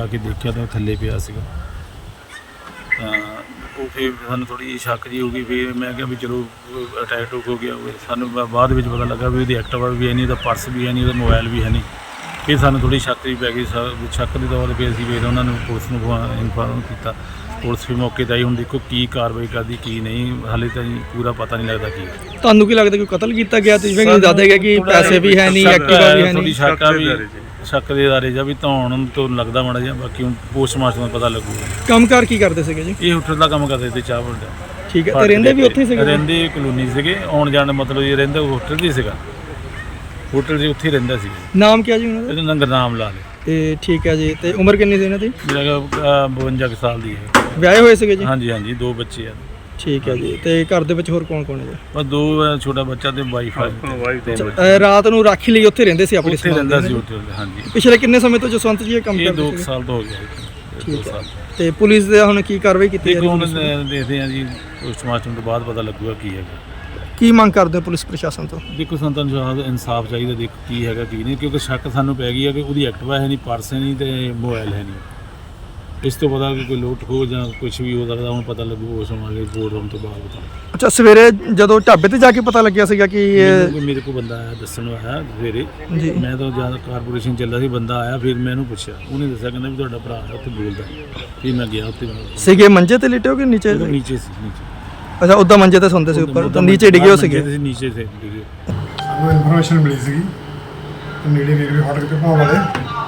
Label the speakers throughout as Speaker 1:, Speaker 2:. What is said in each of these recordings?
Speaker 1: जाके देखा तो थल्ले पिया सीगा। ਉਹ ਫਿਰ ਸਾਨੂੰ ਥੋੜ੍ਹੀ ਜਿਹੀ ਸ਼ੱਕ ਜਿਹੀ ਹੋ ਗਈ। ਫਿਰ ਮੈਂ ਕਿਹਾ ਵੀ ਚਲੋ ਅਟੈਕ ਟੂਕ ਹੋ ਗਿਆ ਹੋਵੇ। ਸਾਨੂੰ ਬਾਅਦ ਵਿੱਚ ਪਤਾ ਲੱਗਾ ਵੀ ਉਹਦੀ ਐਕਟਿਵਾ ਵੀ ਹੈ ਨਹੀਂ, ਉਹਦਾ ਪਰਸ ਵੀ ਹੈ ਨਹੀਂ, ਉਹਦਾ ਮੋਬਾਈਲ ਵੀ ਹੈ ਨਹੀਂ। ਫਿਰ ਸਾਨੂੰ ਥੋੜ੍ਹੀ ਸ਼ੱਕ ਜਿਹੀ ਪੈ ਗਈ। ਸ਼ੱਕ ਦੇ ਤੌਰ 'ਤੇ ਫਿਰ ਅਸੀਂ ਫਿਰ ਉਹਨਾਂ ਨੂੰ ਪੁਲਿਸ ਨੂੰ ਇਨਫਾਰਮ ਕੀਤਾ। ਪੁਲਿਸ ਵੀ ਮੌਕੇ 'ਤੇ ਆਈ। ਹੁਣ ਦੇਖੋ ਕੀ ਕਾਰਵਾਈ ਕਰਦੀ ਕੀ ਨਹੀਂ, ਹਾਲੇ ਤਾਂ ਪੂਰਾ ਪਤਾ ਨਹੀਂ ਲੱਗਦਾ ਕੀ ਹੈ।
Speaker 2: ਤੁਹਾਨੂੰ ਕੀ ਲੱਗਦਾ ਕਿ ਕਤਲ ਕੀਤਾ ਗਿਆ? ਤੁਸੀਂ ਦੱਸਦੇ ਗਿਆ ਕਿ ਪੈਸੇ ਵੀ ਹੈ ਨਹੀਂ, ਐਕਟਿਵਾ ਵੀ ਹੈ
Speaker 1: ਥੋੜ੍ਹੀ
Speaker 2: ਨਹੀਂ।
Speaker 1: ਸ਼ੱਕ ਆ ਵੀ ਸ਼ੱਕ ਦੇ ਦਾਇਰੇ 'ਚ ਵੀ ਧੌਣ ਤੋਂ ਲੱਗਦਾ ਮਾੜਾ ਜਿਹਾ। ਬਾਕੀ ਹੁਣ ਪੋਸਟਮਾਰਟਮ ਦਾ ਪਤਾ ਲੱਗੂਗਾ।
Speaker 2: ਕੰਮਕਾਰ ਕੀ ਕਰਦੇ ਸੀਗੇ ਜੀ?
Speaker 1: ਇਹ ਹੋਟਲ ਦਾ ਕੰਮ ਕਰਦੇ ਤੇ ਚਾਹ ਬਣਦਾ।
Speaker 2: ਠੀਕ ਹੈ। ਤੇ ਰਹਿੰਦੇ ਵੀ ਉੱਥੇ ਸੀਗੇ?
Speaker 1: ਰਹਿੰਦੇ ਕਲੋਨੀ ਸੀਗੇ, ਆਉਣ ਜਾਣ ਮਤਲਬ ਇਹ ਰਹਿੰਦਾ ਹੋਟਲ 'ਚ ਹੀ ਸੀਗਾ। ਹੋਟਲ 'ਚ ਉੱਥੇ ਹੀ ਰਹਿੰਦਾ ਸੀ।
Speaker 2: ਨਾਮ ਕੀ ਜੀ ਉਹਨਾਂ ਦਾ?
Speaker 1: ਇਹਦਾ ਨਾਂ ਗੁਰਨਾਮ ਲਾਲ ਹੈ।
Speaker 2: ਤੇ ਠੀਕ ਹੈ ਜੀ। ਤੇ ਉਮਰ ਕਿੰਨੀ ਸੀ ਇਹਨਾਂ ਦੀ?
Speaker 1: ਮੇਰਾ 52 ਕੁ ਸਾਲ ਦੀ ਹੈ।
Speaker 2: ਵਿਆਹੇ ਹੋਏ ਸੀਗੇ ਜੀ?
Speaker 1: ਹਾਂਜੀ ਹਾਂਜੀ, 2 ਬੱਚੇ ਆ।
Speaker 2: ਠੀਕ ਹੈ ਜੀ। ਤੇ ਘਰ ਦੇ ਵਿੱਚ ਹੋਰ ਕੌਣ ਕੌਣ ਹੈ ਜੀ?
Speaker 1: ਬਸ 2 ਛੋਟਾ ਬੱਚਾ ਤੇ ਵਾਈਫ ਆ।
Speaker 2: ਰਾਤ ਨੂੰ ਰਾਖੀ ਲਈ ਉੱਥੇ ਰਹਿੰਦੇ ਸੀ ਆਪਣੇ?
Speaker 1: ਉੱਥੇ ਰਹਿੰਦਾ ਸੀ ਹੋਟਲ। ਹਾਂਜੀ।
Speaker 2: ਪਿਛਲੇ ਕਿੰਨੇ ਸਮੇਂ ਤੋਂ ਜਸਵੰਤ ਜੀ ਇਹ ਕੰਮ
Speaker 1: ਇਹ
Speaker 2: ਕਰਦੇ
Speaker 1: 2 ਸਾਲ ਤੋਂ ਹੋ ਗਿਆ। 2
Speaker 2: ਠੀਕ ਹੈ।
Speaker 1: ਸਾਲ।
Speaker 2: ਤੇ ਪੁਲਿਸ ਦੇ ਹੁਣ ਕੀ ਕਾਰਵਾਈ ਕੀਤੀ?
Speaker 1: ਦੇਖੋ ਹੁਣ ਦੇਖਦੇ ਹਾਂ ਜੀ, ਪੋਸਟਮਾਰਟਮ ਤੋਂ ਬਾਅਦ ਪਤਾ ਲੱਗੂਗਾ ਕੀ ਹੈਗਾ।
Speaker 2: ਕੀ ਮੰਗ ਕਰਦੇ ਹੋ ਪੁਲਿਸ ਪ੍ਰਸ਼ਾਸਨ ਤੋਂ?
Speaker 1: ਦੇਖੋ ਸਾਨੂੰ ਤਾਂ ਇਨਸਾਫ ਚਾਹੀਦਾ। ਦੇਖੋ ਕੀ ਹੈਗਾ ਕੀ ਨਹੀਂ, ਕਿਉਂਕਿ ਸ਼ੱਕ ਸਾਨੂੰ ਪੈ ਗਈ ਹੈ ਕਿ ਉਹਦੀ ਐਕਟਿਵਾ ਹੈ ਨਹੀਂ, ਪਰਸ ਹੈ ਨਹੀਂ ਤੇ ਮੋਬਾਈਲ ਹੈ ਨਹੀਂ। ਇਸ ਤੋਂ ਪਤਾ ਕਿ ਕੋਈ ਲੁੱਟ ਖੋਹ ਜਾਂ ਕੁਝ ਵੀ ਹੋ ਸਕਦਾ। ਹੁਣ ਪਤਾ ਲੱਗੂ ਉਸ ਸਮਾਂ ਰਿਪੋਰਟ ਹੋਣ ਤੋਂ ਬਾਅਦ ਪਤਾ।
Speaker 2: ਅੱਛਾ, ਸਵੇਰੇ ਜਦੋਂ ਢਾਬੇ ਤੇ ਜਾ ਕੇ ਪਤਾ ਲੱਗਿਆ ਸੀਗਾ ਕਿ
Speaker 1: ਮੇਰੇ ਕੋਲ ਬੰਦਾ ਆਇਆ, ਦੱਸਣ ਆਇਆ ਸਵੇਰੇ
Speaker 2: ਜੀ।
Speaker 1: ਮੈਂ ਤਾਂ ਜ਼ਿਆਦਾ ਕਾਰਪੋਰੇਸ਼ਨ ਚੱਲਦਾ ਸੀ, ਬੰਦਾ ਆਇਆ। ਫਿਰ ਮੈਂ ਇਹਨੂੰ ਪੁੱਛਿਆ, ਉਹਨੇ ਦੱਸਿਆ ਕਹਿੰਦਾ ਵੀ ਤੁਹਾਡਾ ਭਰਾ ਹੈ ਉੱਥੇ ਬੋਲਦਾ। ਫਿਰ ਮੈਂ ਗਿਆ ਉੱਥੇ।
Speaker 2: ਸੀਗੇ ਮੰਜੇ ਤੇ ਲਿਟੇ ਹੋ ਕਿ ਨੀਚੇ?
Speaker 1: ਨੀਚੇ ਸੀ, ਨੀਚੇ।
Speaker 2: ਅੱਛਾ, ਉੱਦਾਂ ਮੰਜੇ ਤੇ ਸੌਂਦੇ ਸੀ, ਉੱਪਰ ਤਾਂ ਨੀਚੇ ਡਿੱਗੇ ਹੋ ਸੀਗੇ?
Speaker 1: ਨੀਚੇ ਸੇ ਡਿੱਗੇ।
Speaker 3: ਸਾਨੂੰ ਇਨਫੋਰਮੇਸ਼ਨ ਮਿਲੀ ਸੀਗੀ ਨੇੜੇ ਰੇਲਵੇ ਫਾਟਕ ਤੇ ਭਾਅ ਵਾਲੇ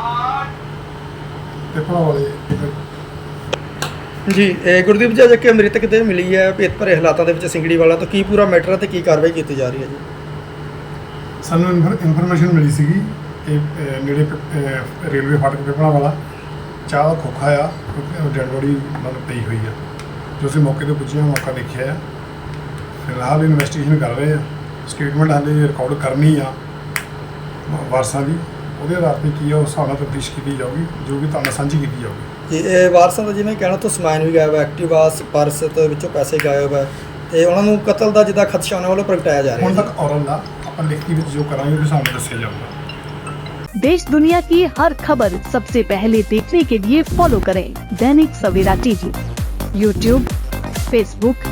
Speaker 2: ਜੀ। ਗੁਰਦੀਪ ਜੀ, ਅੱਜ ਕਿ ਮ੍ਰਿਤਕ ਦੇਹ ਮਿਲੀ ਹੈ ਭੇਤ ਭਰੇ ਹਾਲਾਤਾਂ ਦੇ ਵਿੱਚ ਸਿੰਗੜੀ ਵਾਲਾ, ਤਾਂ ਕੀ ਪੂਰਾ ਮੈਟਰ ਹੈ ਤੇ ਕੀ ਕਾਰਵਾਈ ਕੀਤੀ ਜਾ ਰਹੀ ਹੈ ਜੀ?
Speaker 3: ਸਾਨੂੰ ਇਨਫੋਰਮੇਸ਼ਨ ਮਿਲੀ ਸੀਗੀ ਕਿ ਨੇੜੇ ਰੇਲਵੇ ਫਾਟਕ ਤੇ ਭਾਅ ਵਾਲਾ ਚਾਹ ਦਾ ਖੋਖਾ ਆ, ਡੈਡ ਬੋਡੀ ਮਤਲਬ ਪਈ ਹੋਈ ਆ। ਜੋ ਅਸੀਂ ਮੌਕੇ 'ਤੇ ਪੁੱਜੇ ਹਾਂ, ਮੌਕਾ ਦੇਖਿਆ ਆ। ਫਿਲਹਾਲ ਇਨਵੈਸਟੀਗੇਸ਼ਨ ਕਰ ਰਹੇ ਆ। ਸਟੇਟਮੈਂਟ ਹਾਲੇ ਰਿਕਾਰਡ ਕਰਨੀ ਆ ਵਾਰਸਾਂ ਦੀ। ਉਹਦੇ ਆਧਾਰ 'ਤੇ ਕੀ ਆ ਉਸ ਹਿਸਾਬ ਨਾਲ ਤਫਤੀਸ਼ ਕੀਤੀ ਜਾਊਗੀ, ਜੋ ਕਿ ਤੁਹਾਨੂੰ ਸਾਂਝੀ ਕੀਤੀ ਜਾਊਗੀ।
Speaker 2: ਜੀ, ਇਹ ਵਾਰਸਾਂ ਦਾ ਜਿਵੇਂ ਕਹਿਣਾ ਤੋਂ ਸਮਾਨ ਵੀ ਗਾਇਬ ਹੈ, ਐਕਟਿਵਾ, ਪਰਸ ਤੇ ਵਿੱਚੋਂ ਪੈਸੇ ਗਾਇਬ ਹੈ, ਤੇ ਉਹਨਾਂ ਨੂੰ ਕਤਲ ਦਾ ਜਿੱਦਾਂ ਖਦਸ਼ਾ ਉਹਨਾਂ ਵੱਲੋਂ ਪ੍ਰਗਟਾਇਆ ਜਾ ਰਿਹਾ
Speaker 3: ਹੁਣ
Speaker 2: ਹੈ।
Speaker 3: ਤੱਕ ਔਰਲ ਦਾ ਆਪਾਂ ਲਿਖਤੀ ਵਿੱਚ ਜੋ ਕਰਾਂਗੇ ਉਹਦੇ ਸਾਹਮਣੇ ਦੱਸਿਆ ਜਾਊਗਾ।
Speaker 4: देश दुनिया की हर खबर सबसे पहले देखने के लिए फॉलो करें Dainik Savera TV, YouTube, Facebook,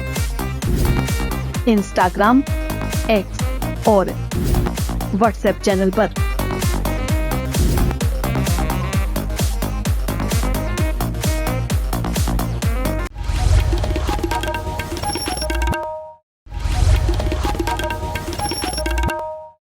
Speaker 4: Instagram, X और व्हाट्सएप चैनल पर।